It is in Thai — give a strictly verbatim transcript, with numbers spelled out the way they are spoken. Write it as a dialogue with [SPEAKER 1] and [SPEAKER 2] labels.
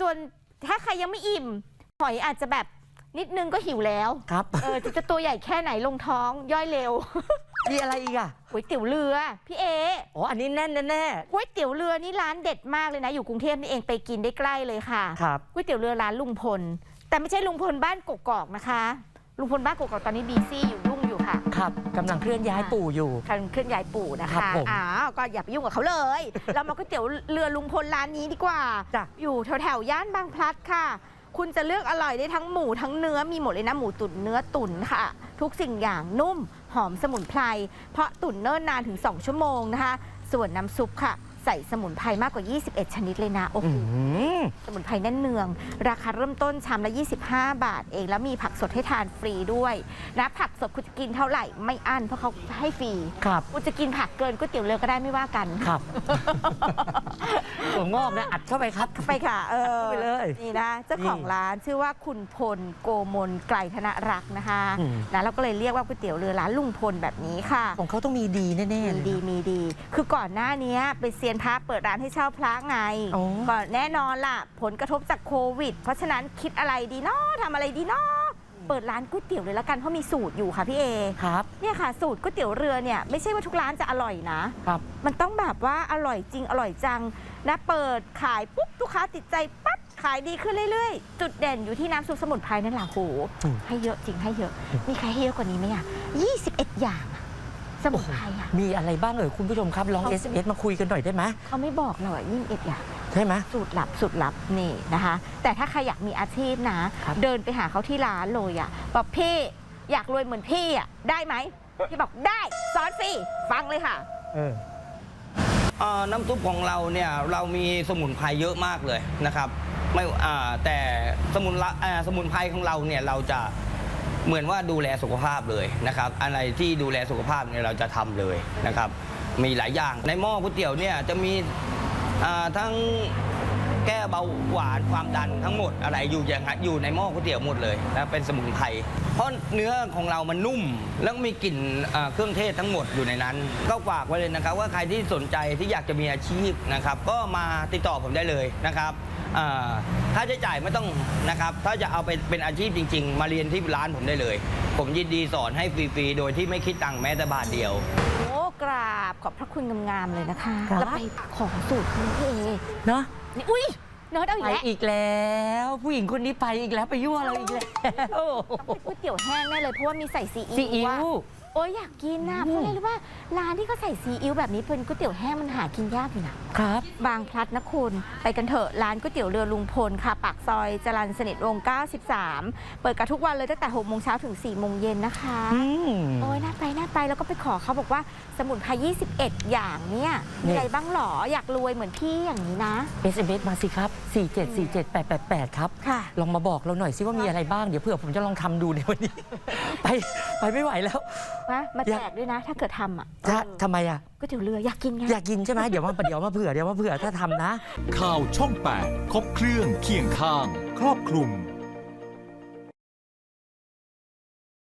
[SPEAKER 1] ส่วนถ้าใครยังไม่อิ่มหอยอาจจะแบบนิดนึงก็หิวแล้ว
[SPEAKER 2] ครับ
[SPEAKER 1] เออจะตัวใหญ่แค่ไหนลงท้องย่อยเร็ว
[SPEAKER 2] มีอะไรอีกอ่ะ
[SPEAKER 1] ก๋วยเตี๋ยวเรือพี่เอ
[SPEAKER 2] อ๋ออันนี้แน่นแน่
[SPEAKER 1] ก๋วยเตี๋ยวเรือนี่ร้านเด็ดมากเลยนะอยู่กรุงเทพนี่เองไปกินได้ใกล้เลยค่ะ
[SPEAKER 2] ครับ
[SPEAKER 1] ก๋วยเตี๋ยวเรือร้านลุงพลแต่ไม่ใช่ลุงพลบ้านกกอกนะคะลุงพลบ้านกกอกตอนนี้บีซี่อยู่ยุ่งอยู่ค่ะ
[SPEAKER 2] ครับกำลังเคลื่อนย้ายปู่อยู่
[SPEAKER 1] กำลังเคลื่อนย้ายปู่นะคะอ้าวก็อย่าไปยุ่งกับเขาเลยเรามาก๋วยเตี๋ยวเรือลุงพลร้านนี้ดีกว่าอยู่แถวแถวย่านบางพลัดค่ะคุณจะเลือกอร่อยได้ทั้งหมูทั้งเนื้อมีหมดเลยนะหมูตุ๋นเนื้อตุ๋นค่ะทุกสิ่งอย่างนุ่มหอมสมุนไพรเพราะตุ๋นเนิ่นนานถึงสองชั่วโมงนะคะส่วนน้ำซุปค่ะใส่สมุนไพรมากกว่ายี่สิบเอ็ดชนิดเลยนะโอ้โหสมุนไพรแน่นเนืองราคาเริ่มต้นชามละยี่สิบห้าบาทเองแล้วมีผักสดให้ทานฟรีด้วยนะผักสดคุณจะกินเท่าไหร่ไม่อั้นเพราะเขาให้ฟรี
[SPEAKER 2] ครับ
[SPEAKER 1] คุณจะกินผักเกินก๋วยเตี๋ยวเรือก็ได้ไม่ว่ากัน
[SPEAKER 2] ครับถั่วงอกนะอัดเข้าไปครับ
[SPEAKER 1] ไปค่ะเออ
[SPEAKER 2] ไปเลย
[SPEAKER 1] นี่นะเจ้าของร้านชื่อว่าคุณพลโกมลไกรธนรักษ์นะคะนะเราก็เลยเรียกว่าก๋วยเตี๋ยวเรือร้านลุงพลแบบนี้ค่ะ
[SPEAKER 2] ของเขาต้องมีดีแน่ๆ
[SPEAKER 1] มีดีมีดีคือก่อนหน้านี้เป็นเซียนพระเปิดร้านให้เช่าพระไงก็แน่นอนล่ะผลกระทบจากโควิดเพราะฉะนั้นคิดอะไรดีเนาะทำอะไรดีเนาะเปิดร้านก๋วยเตี๋ยวเลยละกันเพราะมีสูตรอยู่ค่ะพี่เอ
[SPEAKER 2] ครับ
[SPEAKER 1] เนี่ยค่ะสูตรก๋วยเตี๋ยวเรือเนี่ยไม่ใช่ว่าทุกร้านจะอร่อยนะครับมันต้องแบบว่าอร่อยจริงอร่อยจังนะเปิดขายปุ๊บลูกค้าติดใจปั๊บขายดีขึ้นเรื่อยๆจุดเด่นอยู่ที่น้ำซุปสมุนไพรนั่นแหละโหให้เยอะจริงให้เยอะมีใครให้เยอะกว่านี้ไหมอ่ะยี่สิบเอ็ดอย่างสมุนไพรอ่ะ
[SPEAKER 2] มีอะไรบ้างเอ่ยคุณผู้ชมครับลอง เอส เอ็ม เอส มาคุยกันหน่อยได้ไหม
[SPEAKER 1] เขาไม่บอกหรอกยี่สิบเอ็ดอย่าง
[SPEAKER 2] ใช่ไหม
[SPEAKER 1] สูตรลับสูตรลับนี่นะคะแต่ถ้าใครอยากมีอาชีพนะเดินไปหาเขาที่ร้านเลยอ่ะบอกพี่อยากรวยเหมือนพี่อ่ะได้ไหมพี่บอกได้สอนฟรีฟังเลยค่ะ
[SPEAKER 2] เออ
[SPEAKER 3] น้ำซุปของเราเนี่ยเรามีสมุนไพรเยอะมากเลยนะครับไม่แต่สมุนสมุนไพรของเราเนี่ยเราจะเหมือนว่าดูแลสุขภาพเลยนะครับอะไรที่ดูแลสุขภาพเนี่ยเราจะทำเลยนะครับมีหลายอย่างในหม้อก๋วยเตี๋ยวเนี่ยจะมีทั้งแก้เบาหวานความดันทั้งหมดอะไรอยู่อย่างอยู่ในหม้อก๋วยเตี๋ยวหมดเลยนะเป็นสมุนไพรเพราะเนื้อของเรามันนุ่มแล้วมีกลิ่นเครื่องเทศทั้งหมดอยู่ในนั้นก็ฝากไว้เลยนะครับว่าใครที่สนใจที่อยากจะมีอาชีพนะครับก็มาติดต่อผมได้เลยนะครับค่าใช้จ่ายไม่ต้องนะครับถ้าจะเอาไปเป็นอาชีพจริงๆมาเรียนที่ร้านผมได้เลยผมยินดีสอนให้ฟรีๆโดยที่ไม่คิดตังค์แม้แต่บาทเดียว
[SPEAKER 1] โอ้กราบขอบพระคุณงามๆเลยนะคะแล้วไปของสูตรคุณพี่เอ
[SPEAKER 2] เนาะ
[SPEAKER 1] นี่อุ้ยเนิร์ดเอาอีกแล้ว
[SPEAKER 2] อีกแล้วผู้หญิงคนนี้ไปอีกแล้วไปยั่วเราอีกแล้ว
[SPEAKER 1] ก๋วยเตี๋ยวแห้งแน่เลยเพราะว่ามีใส่ซีอิ๊วโอ้ยอยากกินนะเพราะอะไรรู้ว่าร้านที่เขาใส่ซีอิ๊วแบบนี้เป็นก๋วยเตี๋ยวแห้งมันหากินยากอยู่นะครับบางพลัดนะคุณไปกันเถอะร้านก๋วยเตี๋ยวเรือลุงพลค่ะปากซอยจรัญสนิทวงศ์เก้าสิบสามเปิดกันทุกวันเลยตั้งแต่หกโมงเช้าถึงสี่โมงเย็นนะคะโอ้ยน่าไปน่าไปแล้วก็ไปขอเขาบอกว่าสมุนไพรยี่สิบเอ็ดอย่างเนี่ยมีอะไรบ้างหรออยากรวยเหมือนพี่อย่างนี้นะ
[SPEAKER 2] เอส เอ็ม เอส มาสิครับสี่เจ็ดสี่เจ็ดแปดแปดแปดครับลองมาบอกเราหน่อยสิว่ามีอะไรบ้างเดี๋ยวเผื่อผมจะลองทำดูในวันนี้ไปไปไม่ไหวแล้ว
[SPEAKER 1] นะมาแจกด้วยนะถ้าเกิดทำอ่ะ
[SPEAKER 2] ทำไมอ่ะ
[SPEAKER 1] ก๋วยเตี๋ยวเรืออยากกินไง
[SPEAKER 2] อยากกินใช่ไหมเดี๋ยวมาเดี๋ยวมาเผื่อเดี๋ยวมาเผื่อถ้าทำนะ
[SPEAKER 4] ข่าวช่องแปดครบเครื่องเคียงข้างครอบคลุม